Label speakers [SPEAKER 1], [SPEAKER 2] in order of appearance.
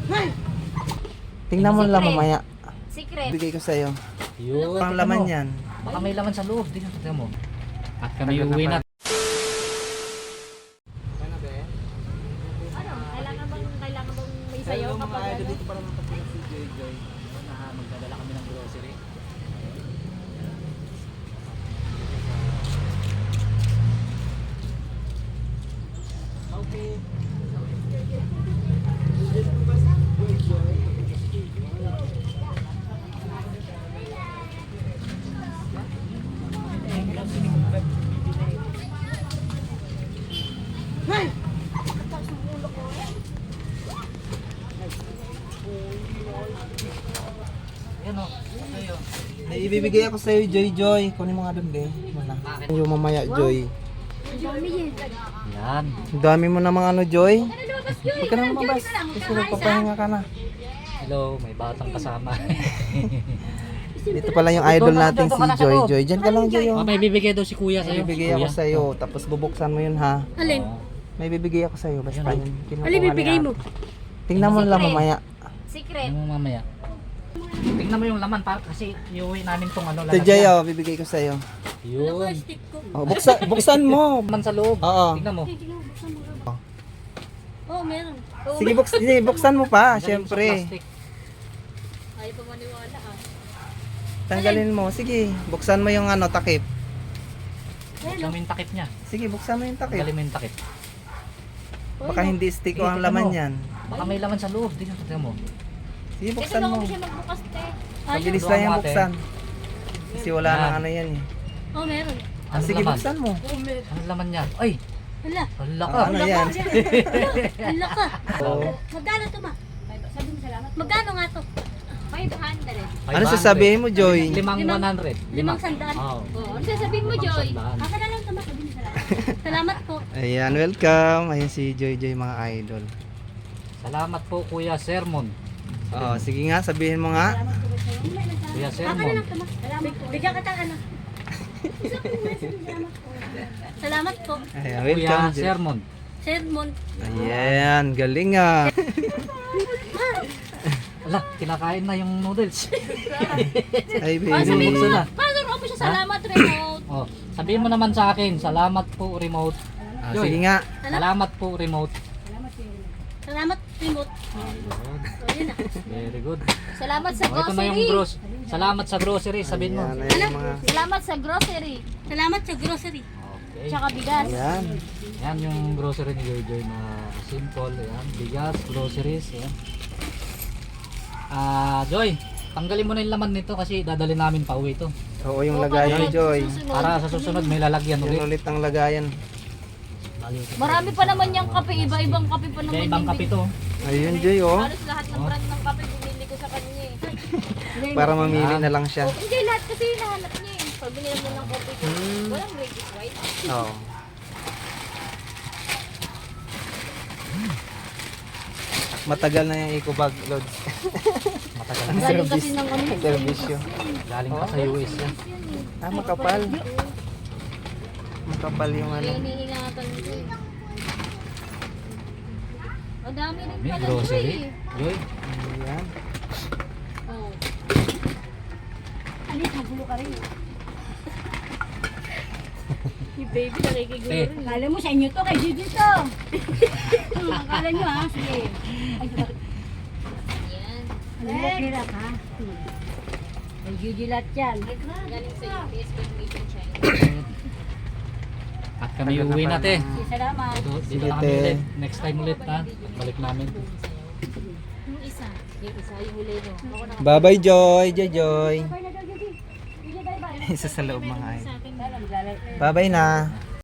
[SPEAKER 1] Tingnan mo lang mamaya.
[SPEAKER 2] Secret.
[SPEAKER 1] Bigay ko sa'yo.
[SPEAKER 3] Yun.
[SPEAKER 1] Ang laman yan.
[SPEAKER 3] Baka may laman sa loob. Tingnan mo. At kami uwi na.
[SPEAKER 2] Ano? Kailangan bang may sayaw kapag ano?
[SPEAKER 1] Dito para makapagod si Joy Joy.
[SPEAKER 3] Magdadala kami ng grocery. Okay. Yan o. Ayo.
[SPEAKER 1] May ibibigay ako sa'yo, Joy Joy. Kunin mo nga doon, be. Wala. Yung mamaya, Joy.
[SPEAKER 3] Yan.
[SPEAKER 1] Ang dami mo namang ano, Joy. Huwag ka na lumabas. Kasi magpapahinga ka na.
[SPEAKER 3] Hello, may batang kasama.
[SPEAKER 1] Dito pala yung idol natin si Joy Joy. Diyan ka lang, Joy.
[SPEAKER 3] May bibigay daw si Kuya sa'yo.
[SPEAKER 1] May bibigay ako sa'yo. Tapos bubuksan mo yun, ha.
[SPEAKER 4] Alin?
[SPEAKER 1] May bibigay ako sa'yo. Basta yun. Kinukuha
[SPEAKER 4] Alin
[SPEAKER 1] ni
[SPEAKER 4] bibigay
[SPEAKER 1] Ate.
[SPEAKER 4] mo?
[SPEAKER 1] Tingnan mo lang mamaya.
[SPEAKER 2] Secret.
[SPEAKER 3] Ano mo mamaya? Tingnan mo yung laman pa kasi iuwi namin tong ano
[SPEAKER 1] Ito, Joy, oh. Bibigay ko sa'yo.
[SPEAKER 3] Yun.
[SPEAKER 4] Stick ko.
[SPEAKER 1] Oh, buksan mo.
[SPEAKER 3] Laman sa loob.
[SPEAKER 1] Oo.
[SPEAKER 3] Tingnan mo.
[SPEAKER 4] Oh, meron.
[SPEAKER 1] Sige, buksan mo pa.
[SPEAKER 3] Galing sa
[SPEAKER 1] Siyempre.
[SPEAKER 3] plastic.
[SPEAKER 4] Ayaw pa maniwala ah.
[SPEAKER 1] Tanggalin mo. Sige, buksan mo yung ano, takip.
[SPEAKER 3] Buksan mo yung takip niya.
[SPEAKER 1] Sige, buksan mo yung takip.
[SPEAKER 3] Tanggalin mo yung takip.
[SPEAKER 1] Baka hindi stick o
[SPEAKER 3] Sige,
[SPEAKER 1] ang
[SPEAKER 3] tingnan
[SPEAKER 1] laman
[SPEAKER 3] mo.
[SPEAKER 1] yan.
[SPEAKER 3] Baka may laman sa loob. Tingnan mo.
[SPEAKER 1] Sige,
[SPEAKER 2] Kasi
[SPEAKER 1] buksan
[SPEAKER 2] bago
[SPEAKER 1] mo.
[SPEAKER 2] mo siya magbukas, te.
[SPEAKER 1] Mabilis
[SPEAKER 3] Ayun.
[SPEAKER 1] lang yung
[SPEAKER 3] Ate.
[SPEAKER 1] buksan. Kasi wala
[SPEAKER 3] Yan.
[SPEAKER 1] nang ano yan eh.
[SPEAKER 4] Oh, meron.
[SPEAKER 3] Ano
[SPEAKER 1] Sige,
[SPEAKER 3] laman?
[SPEAKER 1] buksan mo.
[SPEAKER 4] Oh, meron.
[SPEAKER 3] Ano laman niya? Ay!
[SPEAKER 4] Hala.
[SPEAKER 3] Hala ka!
[SPEAKER 1] Ah, ano yan?
[SPEAKER 4] Hala ka.
[SPEAKER 1] Oo.
[SPEAKER 4] Magkano to ma? Sabi mo salamat. Magkano nga to?
[SPEAKER 2] 500.
[SPEAKER 1] Ano sasabihin mo, Joy?
[SPEAKER 3] 500.
[SPEAKER 4] 500.
[SPEAKER 3] Oo.
[SPEAKER 2] Oh, ano sasabihin mo, Joy?
[SPEAKER 4] Aka na lang to ma. Sabi mo salamat. Salamat po.
[SPEAKER 1] Ayan, welcome. Ayan si Joy Joy, mga idol.
[SPEAKER 3] Salamat po Kuya Sermon.
[SPEAKER 1] Oh, sige nga, sabihin mo nga.
[SPEAKER 3] Kuya
[SPEAKER 4] Aka na
[SPEAKER 3] Sermon.
[SPEAKER 4] lang to ma. Salamat po. Bigyan ka ano. Salamat po.
[SPEAKER 1] Ayan,
[SPEAKER 3] Kuya
[SPEAKER 1] welcome, Joy.
[SPEAKER 3] Sermon.
[SPEAKER 4] Sermon.
[SPEAKER 1] Ayan, galing ah.
[SPEAKER 3] Ala, kinakain na yung noodles.
[SPEAKER 1] Ay,
[SPEAKER 4] Sabihin
[SPEAKER 1] baby.
[SPEAKER 4] mo
[SPEAKER 3] na.
[SPEAKER 4] na. Paano mo siya salamat remote?
[SPEAKER 3] Oh, sabihin mo naman sa akin, salamat po remote.
[SPEAKER 1] Ah,
[SPEAKER 3] Joy.
[SPEAKER 1] sige nga.
[SPEAKER 3] Salamat po remote.
[SPEAKER 4] Salamat remote. Oh, yun na.
[SPEAKER 3] Very good.
[SPEAKER 2] Salamat sa
[SPEAKER 3] Oh, ito na yung
[SPEAKER 2] grocery.
[SPEAKER 3] Salamat sa grocery, sabihin mo.
[SPEAKER 1] Ayan, ayan, mga...
[SPEAKER 2] Salamat sa grocery.
[SPEAKER 4] Salamat sa grocery.
[SPEAKER 3] Okay.
[SPEAKER 2] Tsaka bigas.
[SPEAKER 1] Ayan.
[SPEAKER 3] Yan yung grocery ni Joy Joy na simple. Ayan, bigas, groceries. Ayan. Joy, tanggalin mo na yung laman nito kasi dadali namin pa uwi ito.
[SPEAKER 1] Oo, yung lagayan ni Joy.
[SPEAKER 3] Para sa susunod may lalagyan
[SPEAKER 1] Yung
[SPEAKER 3] ulit.
[SPEAKER 1] ulit ang lagayan.
[SPEAKER 2] Marami pa naman yung kape. Iba-ibang kape pa naman.
[SPEAKER 3] May ibang
[SPEAKER 2] yung
[SPEAKER 3] kape to.
[SPEAKER 1] Ayun, Joy, oh.
[SPEAKER 2] Halos lahat ng brand ng kape binili ko sa kanya eh.
[SPEAKER 1] Para mamili na lang siya.
[SPEAKER 2] Oh, hindi, lahat kasi hinahanap niya eh. Pag binili mo ng kape ko, walang Great White.
[SPEAKER 1] Oo. Matagal na yung eco bag, Lods.
[SPEAKER 3] Matagal
[SPEAKER 1] Ang
[SPEAKER 3] na.
[SPEAKER 2] Galing kasi
[SPEAKER 1] service.
[SPEAKER 2] ng ano.
[SPEAKER 1] Ang servisyo.
[SPEAKER 3] Galing pa sa US yan.
[SPEAKER 1] Ah, makapal. Makapal yung ano.
[SPEAKER 2] Kaya iniingatan ko eh. Ang dami rin
[SPEAKER 3] May
[SPEAKER 2] pala
[SPEAKER 3] grocery.
[SPEAKER 2] Joy.
[SPEAKER 3] Joy,
[SPEAKER 1] Ayan.
[SPEAKER 2] Oh.
[SPEAKER 4] Alis, magulo ka rin.
[SPEAKER 2] Si baby nakikiguro
[SPEAKER 3] Eh.
[SPEAKER 2] rin.
[SPEAKER 4] Akala mo sa inyo to, kay Gigi to. Akala nyo ha, sige. Ay, sorry.
[SPEAKER 2] Yan.
[SPEAKER 4] Alam mo, kira ka. Kay Gigi lahat yan.
[SPEAKER 2] Galing sa UPS pero made in China.
[SPEAKER 3] at kami uwi na te.
[SPEAKER 4] Sige, salamat.
[SPEAKER 3] Dito
[SPEAKER 1] Sige,
[SPEAKER 3] na kami
[SPEAKER 1] te.
[SPEAKER 3] ulit. Next time ulit ha. Balik namin.
[SPEAKER 2] Yung isa, yung huli no. Ako na
[SPEAKER 1] Bye-bye, Joy. Joy, Joy.
[SPEAKER 4] Bye na daw, Gigi. Gigi, bye-bye.
[SPEAKER 1] Isa sa loob mga idol.
[SPEAKER 2] sa akin.
[SPEAKER 4] Maglalay.
[SPEAKER 1] Bye-bye na.